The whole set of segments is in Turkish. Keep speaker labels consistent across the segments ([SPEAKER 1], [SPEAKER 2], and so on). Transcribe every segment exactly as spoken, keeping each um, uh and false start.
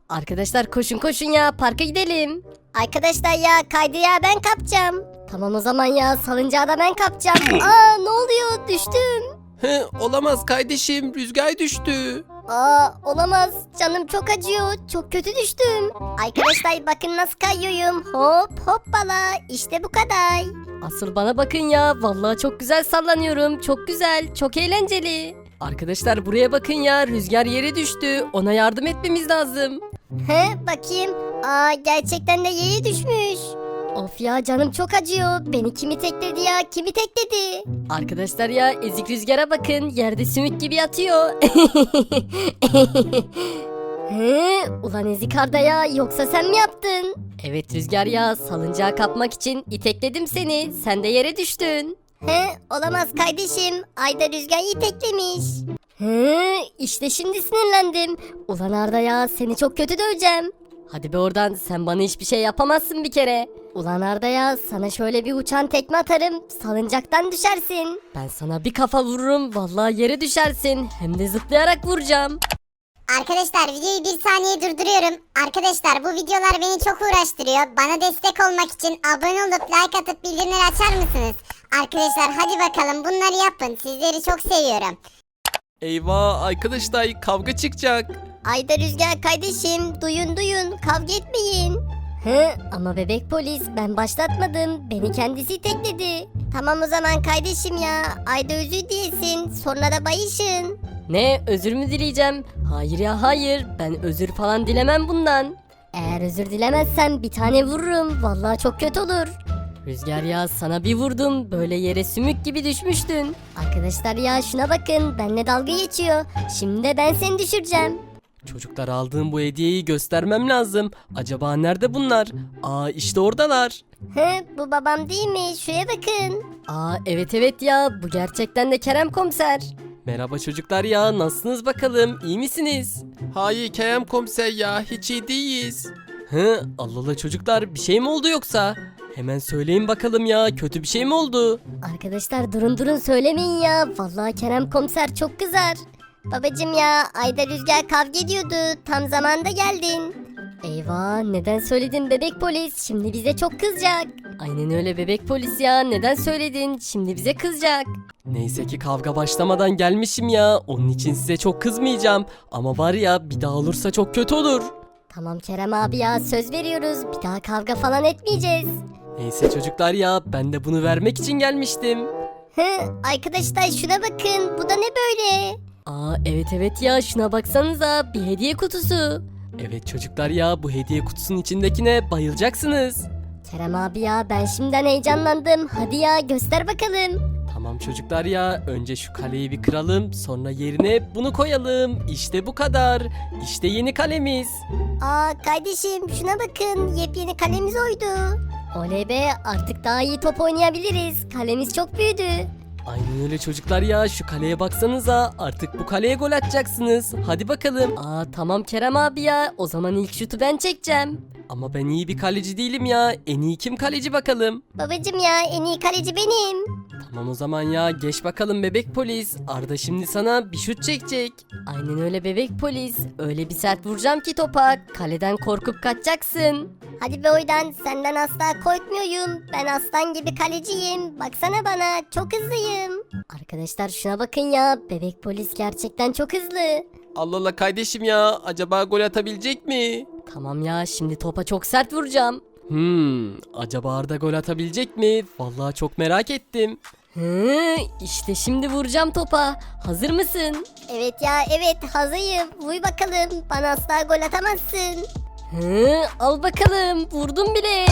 [SPEAKER 1] Arkadaşlar koşun koşun ya, parka gidelim.
[SPEAKER 2] Arkadaşlar ya kaydı ya ben kapacağım.
[SPEAKER 1] Tamam o zaman ya, salıncağı da ben kapacağım. Aa, ne oluyor, düştüm.
[SPEAKER 3] He, olamaz kardeşim, rüzgar düştü.
[SPEAKER 2] Aa olamaz, canım çok acıyor, çok kötü düştüm. Arkadaşlar bakın nasıl kayıyorum. Hop hoppala, işte bu kadar.
[SPEAKER 1] Asıl bana bakın ya, vallahi çok güzel sallanıyorum. Çok güzel, çok eğlenceli. Arkadaşlar buraya bakın ya, rüzgar yere düştü. Ona yardım etmemiz lazım.
[SPEAKER 2] He bakayım. Aa gerçekten de yere düşmüş.
[SPEAKER 1] Of ya, canım çok acıyor.
[SPEAKER 2] Beni kimi tekledi ya, kimi tekledi?
[SPEAKER 1] Arkadaşlar ya, ezik rüzgara bakın, yerde sümük gibi yatıyor.
[SPEAKER 2] He ulan ezik Arda ya, yoksa sen mi yaptın?
[SPEAKER 1] Evet Rüzgar ya, salıncağı kapmak için itekledim seni. Sen de yere düştün.
[SPEAKER 2] He olamaz kardeşim, Ayda rüzgarı teklemiş.
[SPEAKER 1] Hı, işte şimdi sinirlendim. Ulan Arda ya, seni çok kötü döveceğim. Hadi be oradan, sen bana hiçbir şey yapamazsın bir kere.
[SPEAKER 2] Ulan Arda ya, sana şöyle bir uçan tekme atarım, salıncaktan düşersin.
[SPEAKER 1] Ben sana bir kafa vururum, vallahi yere düşersin. Hem de zıplayarak vuracağım.
[SPEAKER 4] Arkadaşlar videoyu bir saniye durduruyorum. Arkadaşlar bu videolar beni çok uğraştırıyor. Bana destek olmak için abone olup like atıp bildirimleri açar mısınız? Arkadaşlar hadi bakalım bunları yapın. Sizleri çok seviyorum.
[SPEAKER 3] Eyvah arkadaşlar, kavga çıkacak.
[SPEAKER 2] Ayda rüzgar kardeşim, duyun duyun, kavga etmeyin.
[SPEAKER 1] Hı, ama bebek polis, ben başlatmadım. Beni kendisi itekledi.
[SPEAKER 2] Tamam o zaman kardeşim ya, Ayda özür diyesin, sonra da bayışın.
[SPEAKER 1] Ne, özür mü dileyeceğim? Hayır ya hayır, ben özür falan dilemem bundan.
[SPEAKER 2] Eğer özür dilemezsen bir tane vururum, vallahi çok kötü olur.
[SPEAKER 1] Rüzgar ya, sana bir vurdum, böyle yere sümük gibi düşmüştün.
[SPEAKER 2] Arkadaşlar ya şuna bakın, benimle dalga geçiyor. Şimdi de ben seni düşüreceğim.
[SPEAKER 3] Çocuklar, aldığım bu hediyeyi göstermem lazım. Acaba nerede bunlar? Aa, işte oradalar.
[SPEAKER 2] He bu babam değil mi? Şuraya bakın.
[SPEAKER 1] Aa evet evet ya, bu gerçekten de Kerem komiser.
[SPEAKER 3] Merhaba çocuklar ya, nasılsınız bakalım, iyi misiniz? Hayır Kerem komiser ya, hiç iyi değiliz. Hı, Allah Allah çocuklar, bir şey mi oldu yoksa? Hemen söyleyin bakalım ya, kötü bir şey mi oldu?
[SPEAKER 2] Arkadaşlar durun durun söylemeyin ya. Vallahi Kerem komiser çok kızar. Babacım ya, Ayda rüzgar kavga ediyordu. Tam zamanda geldin.
[SPEAKER 1] Eyvah, neden söyledin bebek polis, şimdi bize çok kızacak. Aynen öyle bebek polis ya, neden söyledin, şimdi bize kızacak.
[SPEAKER 3] Neyse ki kavga başlamadan gelmişim ya, onun için size çok kızmayacağım. Ama var ya, bir daha olursa çok kötü olur.
[SPEAKER 2] Tamam Kerem abi ya, söz veriyoruz. Bir daha kavga falan etmeyeceğiz.
[SPEAKER 3] Neyse çocuklar ya, ben de bunu vermek için gelmiştim.
[SPEAKER 2] Hı, arkadaşlar şuna bakın. Bu da ne böyle?
[SPEAKER 1] Aa evet evet ya, şuna baksanıza, bir hediye kutusu.
[SPEAKER 3] Evet çocuklar ya, bu hediye kutusunun içindekine bayılacaksınız.
[SPEAKER 2] Kerem abi ya, ben şimdiden heyecanlandım. Hadi ya göster bakalım.
[SPEAKER 3] Tamam çocuklar ya, önce şu kaleyi bir kıralım, sonra yerine bunu koyalım. İşte bu kadar. İşte yeni kalemiz.
[SPEAKER 2] Aa kardeşim şuna bakın. Yepyeni kalemiz oydu. Oley be, artık daha iyi top oynayabiliriz. Kalemiz çok büyüdü.
[SPEAKER 3] Aynen öyle çocuklar ya, şu kaleye baksanıza, artık bu kaleye gol atacaksınız. Hadi bakalım.
[SPEAKER 1] Aa tamam Kerem abi ya, o zaman ilk şutu ben çekeceğim.
[SPEAKER 3] Ama ben iyi bir kaleci değilim ya, en iyi kim kaleci bakalım.
[SPEAKER 2] Babacım ya, en iyi kaleci benim.
[SPEAKER 3] Tamam o zaman ya, geç bakalım bebek polis. Arda şimdi sana bir şut çekecek.
[SPEAKER 1] Aynen öyle bebek polis, öyle bir sert vuracağım ki topa, kaleden korkup kaçacaksın.
[SPEAKER 2] Hadi be oydan, senden asla korkmuyorum. Ben aslan gibi kaleciyim. Baksana bana, çok hızlıyım. Arkadaşlar şuna bakın ya, bebek polis gerçekten çok hızlı.
[SPEAKER 3] Allah Allah kardeşim ya, acaba gol atabilecek mi?
[SPEAKER 1] Tamam ya, şimdi topa çok sert vuracağım.
[SPEAKER 3] Hmm, acaba Arda gol atabilecek mi? Vallahi çok merak ettim.
[SPEAKER 1] Hı, işte şimdi vuracağım topa. Hazır mısın?
[SPEAKER 2] Evet ya evet, hazırım. Vuy bakalım, bana asla gol atamazsın.
[SPEAKER 1] Hı, al bakalım, vurdum bile.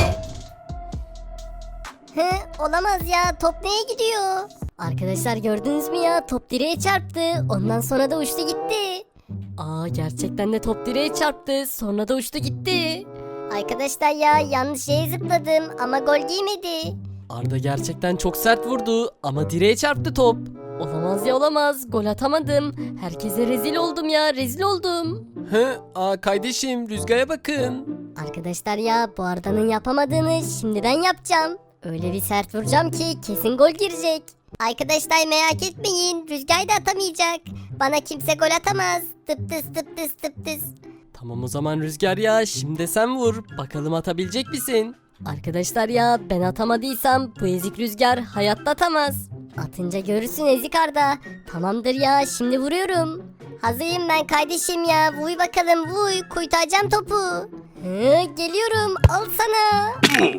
[SPEAKER 2] Hı, olamaz ya, top neye gidiyor?
[SPEAKER 1] Arkadaşlar gördünüz mü ya, top direğe çarptı. Ondan sonra da uçtu gitti. Aa gerçekten de top direğe çarptı. Sonra da uçtu gitti.
[SPEAKER 2] Arkadaşlar ya, yanlış yere zıpladım ama gol giymedi.
[SPEAKER 3] Arda gerçekten çok sert vurdu ama direğe çarptı top.
[SPEAKER 1] Olamaz ya olamaz. Gol atamadım. Herkese rezil oldum ya, rezil oldum.
[SPEAKER 3] Hı, aa kardeşim, rüzgara bakın.
[SPEAKER 2] Arkadaşlar ya, bu Arda'nın yapamadığını şimdi ben yapacağım. Öyle bir sert vuracağım ki kesin gol girecek. Arkadaşlar merak etmeyin, Rüzgar da atamayacak. Bana kimse gol atamaz. Tıp tıs tıp tıs tıp tıs.
[SPEAKER 3] Tamam o zaman Rüzgar ya, şimdi sen vur. Bakalım atabilecek misin?
[SPEAKER 1] Arkadaşlar ya ben atamadıysam bu ezik Rüzgar hayatta atamaz.
[SPEAKER 2] Atınca görürsün ezik Arda. Tamamdır ya şimdi vuruyorum. Hazırım ben kardeşim ya. Vuy bakalım vuy. Kurtaracağım topu. Hı, geliyorum. Al sana.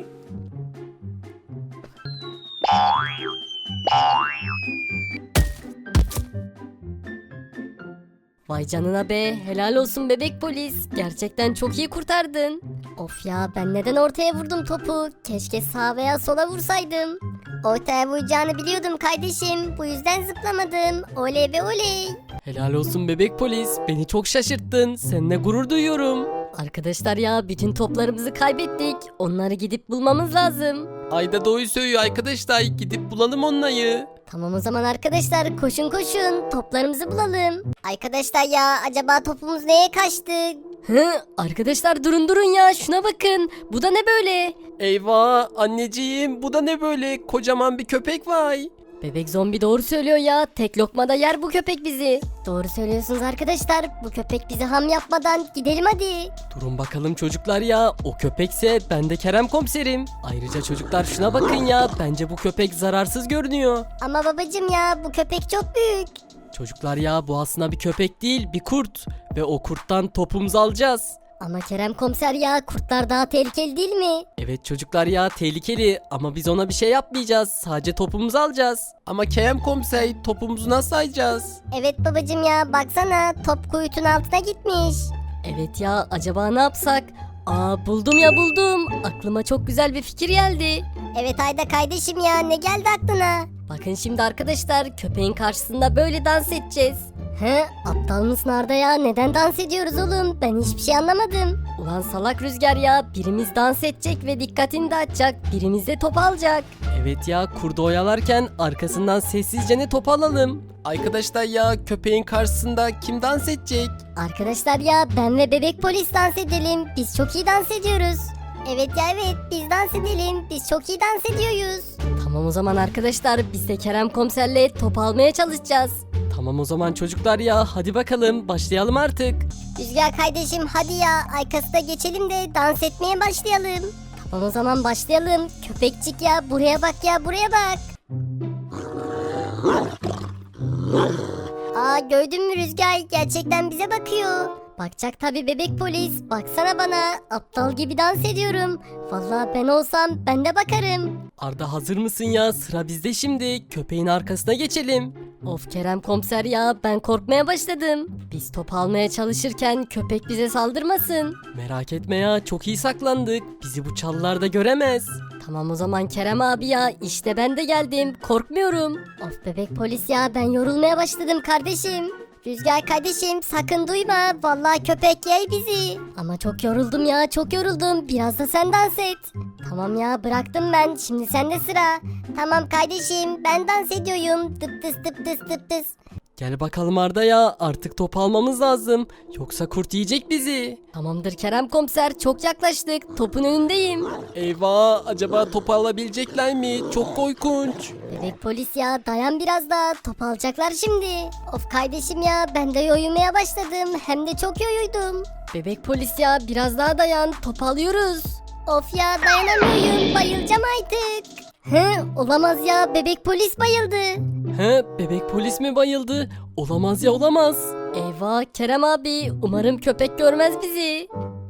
[SPEAKER 1] Vay canına be, helal olsun bebek polis. Gerçekten çok iyi kurtardın.
[SPEAKER 2] Of ya ben neden ortaya vurdum topu? Keşke sağ veya sola vursaydım. Ortaya vuracağını biliyordum kardeşim. Bu yüzden zıplamadım. Oley be oley.
[SPEAKER 3] Helal olsun bebek polis. Beni çok şaşırttın. Seninle gurur duyuyorum.
[SPEAKER 1] Arkadaşlar ya bütün toplarımızı kaybettik. Onları gidip bulmamız lazım.
[SPEAKER 3] Ayda doğru söylüyor arkadaşlar. Gidip bulalım onları.
[SPEAKER 2] Tamam o zaman arkadaşlar koşun koşun. Toplarımızı bulalım. Arkadaşlar ya acaba topumuz neye kaçtı?
[SPEAKER 1] Hı, arkadaşlar durun durun ya şuna bakın. Bu da ne böyle?
[SPEAKER 3] Eyvah anneciğim, bu da ne böyle? Kocaman bir köpek var.
[SPEAKER 1] Bebek zombi doğru söylüyor ya. Tek lokmada yer bu köpek bizi.
[SPEAKER 2] Doğru söylüyorsunuz arkadaşlar. Bu köpek bizi ham yapmadan gidelim hadi.
[SPEAKER 3] Durun bakalım çocuklar ya. O köpekse ben de Kerem komiserim. Ayrıca çocuklar şuna bakın ya. Bence bu köpek zararsız görünüyor.
[SPEAKER 2] Ama babacım ya bu köpek çok büyük.
[SPEAKER 3] Çocuklar ya, bu aslında bir köpek değil, bir kurt. Ve o kurttan topumuzu alacağız.
[SPEAKER 2] Ama Kerem komiser ya kurtlar daha tehlikeli değil mi?
[SPEAKER 3] Evet çocuklar ya, tehlikeli ama biz ona bir şey yapmayacağız. Sadece topumuzu alacağız. Ama Kerem komiser, topumuzu nasıl alacağız?
[SPEAKER 2] Evet babacım ya baksana top kuyutun altına gitmiş.
[SPEAKER 1] Evet ya acaba ne yapsak? Aa buldum ya buldum. Aklıma çok güzel bir fikir geldi.
[SPEAKER 2] Evet Ayda kardeşim ya ne geldi aklına?
[SPEAKER 1] Bakın şimdi arkadaşlar köpeğin karşısında böyle dans edeceğiz.
[SPEAKER 2] He aptal mısın Arda ya neden dans ediyoruz oğlum ben hiçbir şey anlamadım.
[SPEAKER 1] Ulan salak Rüzgar ya, birimiz dans edecek ve dikkatini dağıtacak, birimiz de top alacak.
[SPEAKER 3] Evet ya, kurdu oyalarken arkasından sessizce ne top alalım. Arkadaşlar ya, köpeğin karşısında kim dans edecek?
[SPEAKER 2] Arkadaşlar ya ben ve bebek polis dans edelim biz çok iyi dans ediyoruz. Evet ya evet biz dans edelim biz çok iyi dans ediyoruz.
[SPEAKER 1] Tamam o zaman arkadaşlar biz de Kerem komiserle top almaya çalışacağız.
[SPEAKER 3] Tamam o zaman çocuklar ya, hadi bakalım başlayalım artık.
[SPEAKER 2] Rüzgar kardeşim hadi ya arkasına geçelim de dans etmeye başlayalım. Tamam o zaman başlayalım. Köpekçik ya buraya bak ya buraya bak. Aa gördün mü Rüzgar gerçekten bize bakıyor. Bakacak tabi bebek polis baksana bana aptal gibi dans ediyorum. Vallahi ben olsam ben de bakarım.
[SPEAKER 3] Arda hazır mısın ya? Sıra bizde şimdi. Köpeğin arkasına geçelim.
[SPEAKER 1] Of Kerem komiser ya, ben korkmaya başladım. Biz top almaya çalışırken köpek bize saldırmasın.
[SPEAKER 3] Merak etme ya, çok iyi saklandık. Bizi bu çalılarda göremez.
[SPEAKER 1] Tamam o zaman Kerem abi ya, işte ben de geldim, korkmuyorum.
[SPEAKER 2] Of bebek polis ya ben yorulmaya başladım kardeşim. Rüzgar kardeşim sakın duyma. Vallahi köpek yey bizi. Ama çok yoruldum ya çok yoruldum. Biraz da sen dans et. Tamam ya bıraktım ben. Şimdi sende sıra. Tamam kardeşim ben dans ediyorum. Tıp tıs tıp tıs tıp tıs.
[SPEAKER 3] Gel bakalım Arda ya, artık top almamız lazım. Yoksa kurt yiyecek bizi.
[SPEAKER 1] Tamamdır Kerem komiser, çok yaklaştık, topun önündeyim.
[SPEAKER 3] Eyvah, acaba topu alabilecekler mi? Çok korkunç.
[SPEAKER 2] Bebek polis ya dayan biraz daha. Top alacaklar şimdi. Of kardeşim ya ben de yoyulmaya başladım. Hem de çok yoruldum.
[SPEAKER 1] Bebek polis ya, biraz daha dayan, top alıyoruz.
[SPEAKER 2] Of ya dayanamıyorum. Bayılacağım artık. Hı, olamaz ya bebek polis bayıldı.
[SPEAKER 3] He, bebek polis mi bayıldı? Olamaz ya, olamaz.
[SPEAKER 1] Eyvah Kerem abi, umarım köpek görmez bizi.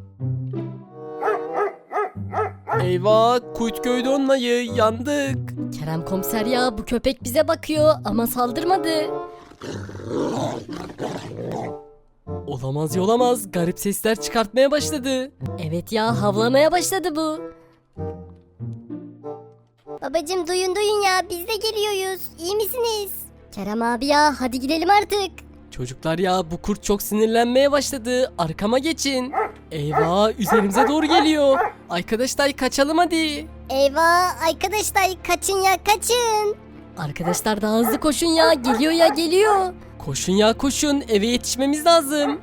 [SPEAKER 3] Eyvah, kurt gördü onları, yandık.
[SPEAKER 1] Kerem komiser ya, bu köpek bize bakıyor ama saldırmadı.
[SPEAKER 3] Olamaz ya, olamaz. Garip sesler çıkartmaya başladı.
[SPEAKER 1] Evet ya, havlamaya başladı bu.
[SPEAKER 2] Babacım duyun duyun ya biz de geliyoruz. İyi misiniz? Kerem abi ya hadi gidelim artık.
[SPEAKER 3] Çocuklar ya, bu kurt çok sinirlenmeye başladı. Arkama geçin. Eyvah, üzerimize doğru geliyor. Arkadaşlar kaçalım hadi.
[SPEAKER 2] Eyvah arkadaşlar kaçın ya kaçın.
[SPEAKER 1] Arkadaşlar daha hızlı koşun ya, geliyor ya geliyor.
[SPEAKER 3] Koşun ya koşun, eve yetişmemiz lazım.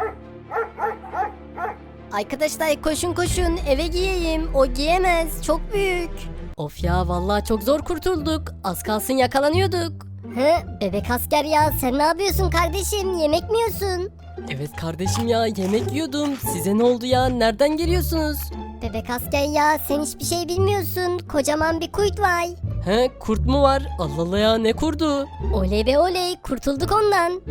[SPEAKER 2] Arkadaşlar koşun koşun eve giyeyim. O giyemez çok büyük.
[SPEAKER 1] Of ya, vallahi çok zor kurtulduk. Az kalsın yakalanıyorduk.
[SPEAKER 2] Hı bebek asker ya sen ne yapıyorsun kardeşim yemek mi yiyorsun?
[SPEAKER 1] Evet kardeşim ya yemek yiyordum. Size ne oldu ya? Nereden geliyorsunuz?
[SPEAKER 2] Bebek asker ya sen hiçbir şey bilmiyorsun. Kocaman bir kurt var.
[SPEAKER 1] He kurt mu var? Allah Allah ya ne kurdu?
[SPEAKER 2] Oley be oley kurtulduk ondan.